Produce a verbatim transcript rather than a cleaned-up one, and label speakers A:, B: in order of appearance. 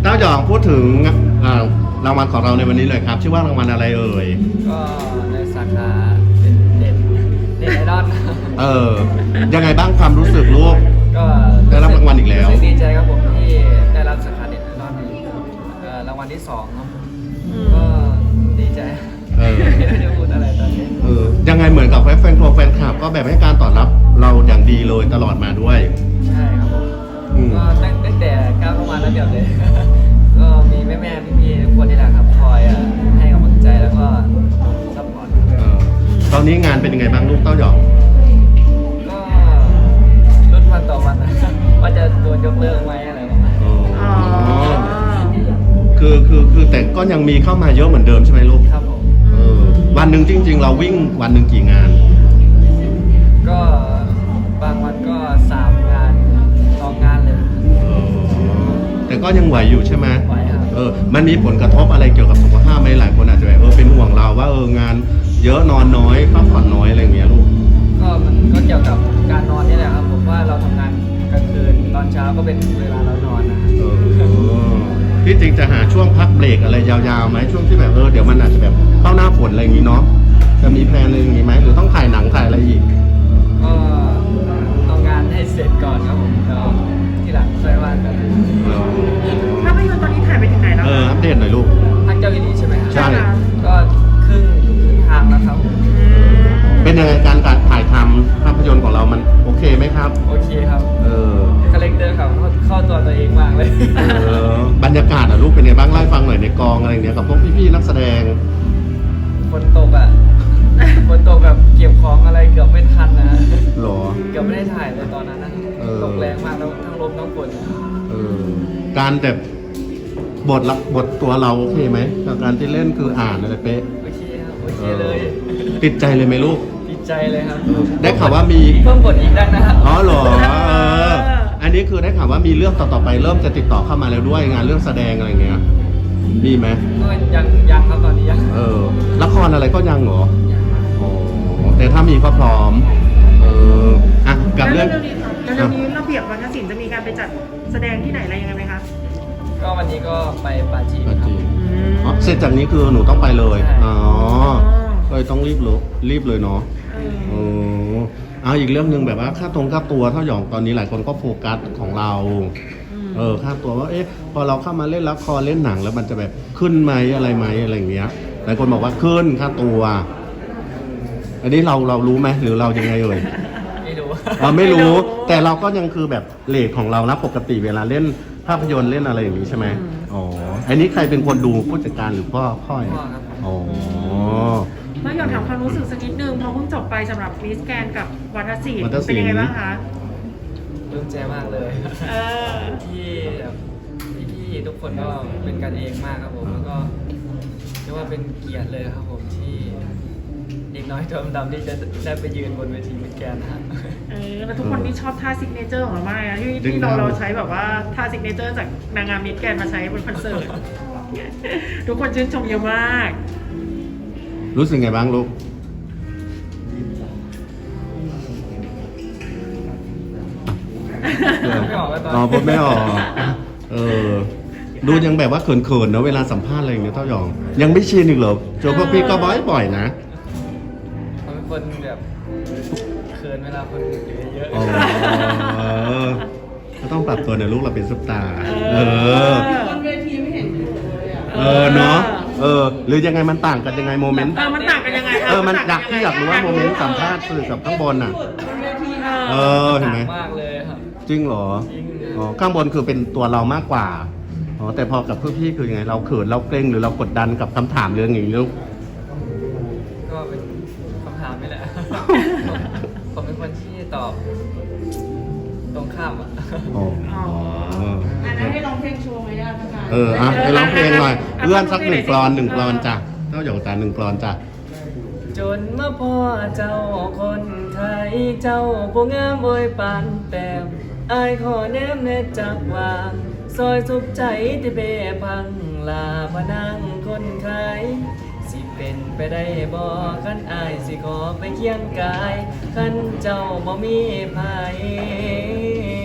A: เต้าหยองพูดถึงรางวัลของเราในวันนี้เลยครับชื่อว่ารางวัลอะไรเอ่ย
B: ก็ในสาขาเป็นเด่นเด่นไอดอล
A: เออยังไงบ้างความรู้สึกลูก
B: ก็
A: ได้รับรางวัลอีกแล้ว
B: ดีใจครับผมที่ได้รับสาขาเด่นไอดอลรางวัลที่สองครับก็ดีใจไม่ได้พูดอะไรตอนนี้
A: เออยังไงเหมือนกับแฟนคลับแฟนคลับก็แบบให้การตอบรับเราอย่างดีเลยตลอดมาด้วย
B: ใช่ครับผมก็ตั้งแต่ก้าวเข้ามาแล้วเดี๋ยวเลยก็มีแม่แม่พี่ๆทุกคนนี่แหละครับคอยให้กำลังใจแล้วก็ซัพพอร์ต
A: ตอนนี้งานเป็นยังไงบ้างลูกเต้าหยอง
B: ก็รุ่นวันต่อวันว่าจะโดนยกเลิกไหมอะไรประมาณนี้
A: คือคือคือแต่ก็ยังมีเข้ามาเยอะเหมือนเดิมใช่ไหมลูก
B: ครับผม
A: เออวันหนึ่งจริงๆเราวิ่งวันหนึ่งกี่งาน
B: ก็บางวันก็สามงานสองงานเลย
A: แต่ก็ยังไหวอยู่ใช่ไหม
B: ไหวครับ
A: เออมันมีผลกระทบอะไรเกี่ยวกับสุขภาพไหมหลายคนอาจจะแบบเออเป็นห่วงเราว่าเอองานเยอะนอนน้อยพักผ่อนน้อยอะไรอย่างเงี้ยลูก
B: ก็มันก็เกี่ยวกับการนอนนี่แหละครับผมว่าเราทำงานกลางคืนตอนเช้าก็เป็นเวลาเรานอนนะเอ
A: อที่จริงจะหาช่วงพักเบรกอะไรยาวๆไหมช่วงที่แบบเออเดี๋ยวมันอาจจะแบบเข้าหน้าฝนอะไรอย่างงี้เนาะจะมีแพลนอะไรอย่างงี้ไหมหรือต้องถ่ายหนังถ่ายอะไรอีก
B: ก็เอางานให้เสร็จก่อนครับผมแล้วที่หลังค่อยว่ากัน
C: ภาพยนตร์ตอนนี้ถ่ายไปถึงไหนแล้ว
A: เอออัปเดตหน่อยลูก
B: พักเจ้าวินีใช่ไหมครับ
A: ใช่
B: ก็ครึ่งครึ่งทางแล้วครับ
A: เป็นยังไงการถ่ายทำภาพยนตร์ของเรามันโอเคไหมครับ
B: โอเคครับ
A: เออ
B: คาแรคเตอร์เขาเข้าตัวตัวเองมากเลย
A: เออบรรยากาศอ่ะลูกเป็นไงบ้างเล่าให้ฟังหน่อยในกองอะไรเนี้ยกับพวกพี่ๆนักแสดง
B: ฝนตกอ่ะฝนตกแบบเก็บของอะไรเกือบไม่ทันนะ
A: หรอ
B: เกือบไม่ได้ถ่ายเลยตอนนั้นนะตกแรงมากแล้วทั้งลมทั้งฝน
A: เออการแบบบทละบทตัวเราโอเคไหมกับการที่เล่นคืออ่านอะไรเป๊ะ
B: โอเคครับโอเคเลย
A: ติดใจเลยไหมลูก
B: ติดใจเลยครับ
A: ได้ข่าวว่ามี
B: เพิ่มบทอีกได้นะครับ
A: อ๋อเหรอเอออันนี้คือได้ข่าวว่ามีเรื่องต่อๆไปเริ่มจะติดต่อเข้ามาแล้วด้วยงานเรื่องแสดงอะไรเงี้ยมีไหม
B: ก็ยังยังครับตอนนี้ยัง
A: เออละครอะไรก็ยังเหรออ๋อแต่ถ้ามีก็พร้อมเอออ่ะกับเรื่อง
C: แล้วเรื่องนี้ระเบียบวัฒนศิลป์จะมีการไปจัดแสดงที่ไหนอะไรยังไงไหมคะ
B: ก็วันนี้ก็ไปปาจีนครับ
A: อ๋อเสร็จจากนี้คือหนูต้องไปเลยอ๋อเลยต้องรีบเลยรีบเลยเนาะเออเอาอีกเรื่องหนึ่งแบบว่าค่าตรงค่าตัวเท่าหยองตอนนี้หลายคนก็โฟกัสของเราเออค่าตัวว่าเอ๊ะพอเราเข้ามาเล่นละครเล่นหนังแล้วมันจะแบบขึ้นไหมอะไรไหมอะไรอย่างเงี้ยหลายคนบอกว่าขึ้นค่าตัวอันนี้เราเรารู้ไหมหรือเรายังไงเอ่ย
B: ไม่รู้
A: เราไม่รู้แต่เราก็ยังคือแบบเรทของเรานะปกติเวลาเล่นภาพยนตร์เล่นอะไรอย่างนี้ใช่ไหมอ๋ออันนี้ใครเป็นคนดูผู้จัดการหรือพ่อพ่ออ๋อ
C: เมื่ออยากถามความรู้สึกสักนิดนึงพอเพิ่งจบไปสำหรับมิสแกรนด์กับวัฒนศิลป์เป็นยังไงบ้างคะ
B: ปลื้มใจมากเลยที่พี่ๆทุกคนก็เป็นกันเองมากครับผมแล้วก็เรียกว่าเป็นเกียรติเลยครับผมที่เด็กน้อยตัวดำๆที่จะได้ไปยืนบนเวทีมิสแกรนด์นะ
C: เออแล้วทุกคนที่ชอบท่าซิกเนเจอร์ของเรามากนะที่ที่เราเราใช้แบบว่าท่าซิกเนเจอร์จากนางงามมิสแกรนด์มาใช้บนคอนเสิร์ตทุกคนชื่นชมเยอะมาก
A: รู้สึกไงบ้างลูก
B: ไม่ออกแล้วตอน
A: อ๋อพูดไม่ออกเออดูยังแบบว่าเขินๆนะเวลาสัมภาษณ์อะไรอย่างเงี้ยเท่าหยองยังไม่ชินอีกเหรอโจพวกพี่ก็บ่อยๆนะ
B: เขาเป็นคนแบบเขินเวลาคนเยอะ
A: ๆก็ต้องปรับตัวนะลูกเราเป็นซุปตาเออบนเวทีไม่เห็นเลยอ่ะเออเนาะเออหรือยังไงมันต่างกันยังไงโมเมนต์
C: เออมันต่างกันยังไง
A: เออมันอยากที่อยากรู้ว่าโมเมนต์สัมภาษณ์สื่อกับข้างบนอ่ะเออเห็นไหม
B: มากเลยครับ
A: จริงเหรออ๋อข้างบนคือเป็นตัวเรามากกว่าอ๋อแต่พอกับพี่ๆคือยังไงเราเขินเราเกรงหรือเรากดดันกับคำถามเรื่องอย่างนี้ลูก
B: ก็เป็นคำถามนี่แหละผมเป็นคนที่ตอบตรงข้ามอ่ะ
C: อ๋ออันนั้นให้ร้องเพลงโชว์ไหมล่ะคะ
A: เอออ่ะให้ร้องเพลงหน่อยเอื้อนสักหนึ่งกลอนหนึ่งกลอนจ้ะเจ้าหยองตาหนึ่งกลอนจ้ะ
B: จนมาพ่อเจ้าคนไทยเจ้าผู้งามโอยปานแต้มอายขอแนมเนจักวางซอยสุขใจที่เบพังลาพนังคนไข้สิเป็นไปได้บ่คันอายสิขอไปเคียงกายคันเจ้าบ่มีภัย